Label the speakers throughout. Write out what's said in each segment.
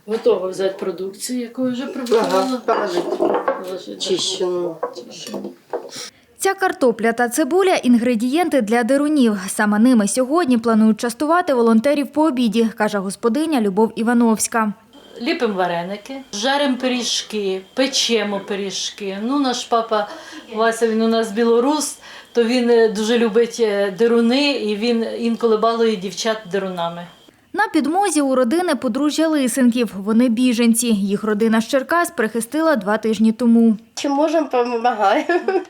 Speaker 1: Готова взяти продукцію, яку вже приготувала.
Speaker 2: Чищену.
Speaker 3: Ця картопля та цибуля – інгредієнти для дерунів. Саме ними сьогодні планують частувати волонтерів по обіді, каже господиня Любов Івановська.
Speaker 1: Ліпимо вареники, жаримо пиріжки, печемо пиріжки. Наш папа Вася, він у нас білорус, то він дуже любить деруни і він інколи балує дівчат дерунами.
Speaker 3: На підмозі у родини подружжя Лисенків. Вони біженці. Їх родина з Черкас прихистила 2 тижні тому.
Speaker 2: Чим можемо, допомагаємо.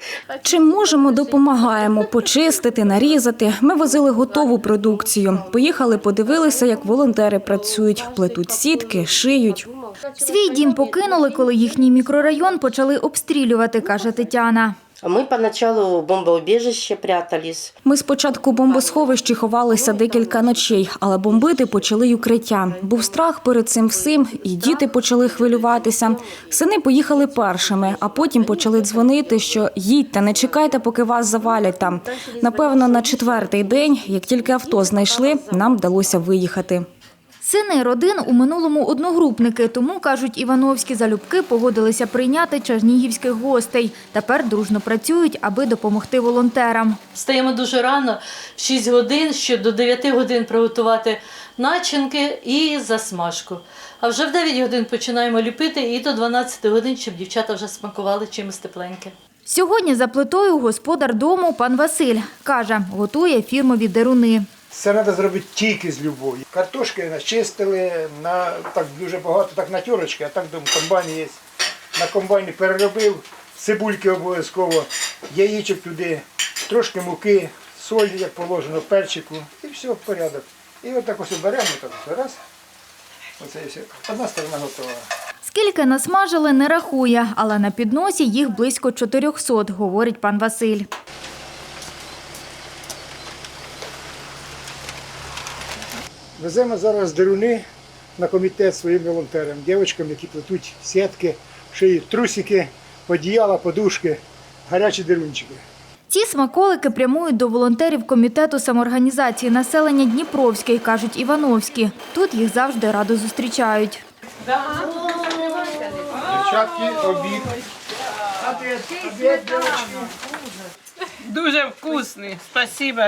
Speaker 4: Чим можемо, допомагаємо почистити, нарізати. Ми возили готову продукцію. Поїхали, подивилися, як волонтери працюють, плетуть сітки, шиють.
Speaker 3: Свій дім покинули, коли їхній мікрорайон почали обстрілювати, каже Тетяна.
Speaker 2: А ми поначалу в бомбоубіжище прятались.
Speaker 4: Ми спочатку в бомбосховищі ховалися декілька ночей, але бомбити почали й укриття. Був страх перед цим всім, і діти почали хвилюватися. Сини поїхали першими, а потім почали дзвонити, що їдьте, не чекайте, поки вас завалять там. Напевно, на 4-й день, як тільки авто знайшли, нам вдалося виїхати.
Speaker 3: Сини родин у минулому одногрупники, тому, кажуть Івановські, залюбки погодилися прийняти чернігівських гостей. Тепер дружно працюють, аби допомогти волонтерам.
Speaker 1: Встаємо дуже рано, в 6 годин, щоб до 9 годин приготувати начинки і засмажку. А вже в 9 годин починаємо ліпити і до 12 годин, щоб дівчата вже смакували чимось тепленьке.
Speaker 3: Сьогодні за плитою господар дому пан Василь. Каже, готує фірмові деруни.
Speaker 5: Це треба зробити тільки з любов'ю. Картошки начистили, так дуже багато, так на тюрочки, а так в комбайні є. На комбайні переробив, цибульки обов'язково, яєчок туди, трошки муки, соль, як положено, перчику, і все, в порядок. І отак ось беремо, так, раз, оце і все. Одна сторона готова.
Speaker 3: Скільки насмажили, не рахує, але на підносі їх близько 400, говорить пан Василь.
Speaker 5: Веземо зараз деруни на комітет своїм волонтерам, дівчатам, які плетуть сітки, шиють трусики, одіяла, подушки, гарячі дерунчики.
Speaker 3: Ці смаколики прямують до волонтерів комітету самоорганізації населення Дніпровський, кажуть Івановські. Тут їх завжди радо зустрічають.
Speaker 5: Дівчатки, обід.
Speaker 6: Дуже вкусний, спасибо.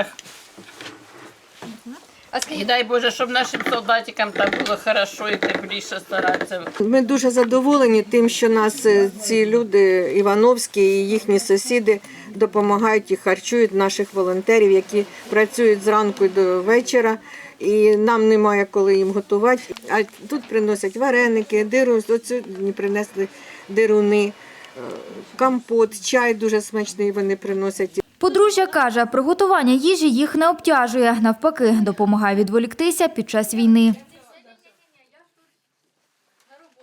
Speaker 6: І дай Боже, щоб нашим солдатикам там було хорошо і тепліше старатися.
Speaker 7: Ми дуже задоволені тим, що нас ці люди, Івановські і їхні сусіди, допомагають і харчують наших волонтерів, які працюють зранку до вечора. І нам немає коли їм готувати. А тут приносять вареники, сьогодні принесли деруни, компот, чай дуже смачний вони приносять.
Speaker 3: Подружжя каже, приготування їжі їх не обтяжує. Навпаки, допомагає відволіктися під час війни.